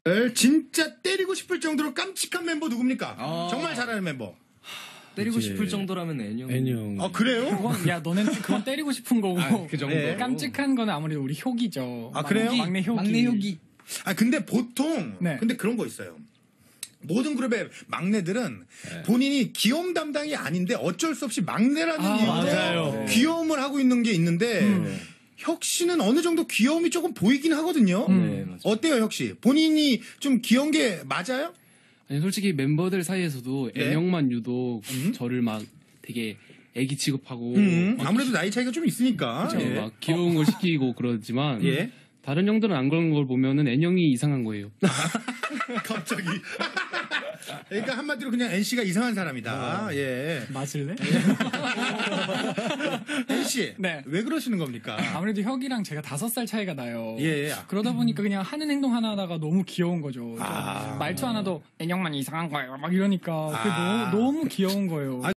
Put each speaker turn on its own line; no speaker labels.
진짜 때리고 싶을 정도로 깜찍한 mem버 누굽니까? 정말 잘하는 멤버.
때리고 싶을 정도라면
애녕.
아, 그래요?
너는 그건 때리고 싶은 거고.
그 정도.
네.
깜찍한 거는 아무래도 우리 효기죠.
아, 그래요?
막내 효기.
막내 효기.
아, 근데 보통,
네.
근데 그런 거 있어요. 모든 그룹의 막내들은 본인이 귀여움 담당이 아닌데 어쩔 수 없이 막내라는 이유로
맞아요.
귀여움을 하고 있는 게 있는데, 혁 씨는 어느 정도 귀여움이 조금 보이긴 하거든요.
네, 맞아요.
어때요, 혁 씨? 본인이 좀 귀여운 게 맞아요?
아니, 솔직히 멤버들 사이에서도
네.
애형만 유독 저를 막 되게 애기 취급하고
아무래도 나이 차이가 좀 있으니까.
저
예.
막 귀여운 걸 시키고 그러지만
예.
다른 형들은 안 그런 걸 보면은 애형이 이상한 거예요.
갑자기. 그러니까 한마디로 그냥 NC가 이상한 사람이다. 예.
맞을래?
NC.
네.
왜 그러시는 겁니까?
아무래도 혁이랑 제가 5살 차이가 나요.
예.
그러다 보니까 그냥 하는 행동 하나하나가 너무 귀여운 거죠. 좀
아.
말투 하나도 애녕만 이상한 거예요. 막 이러니까 그게
아.
너무 귀여운 거예요.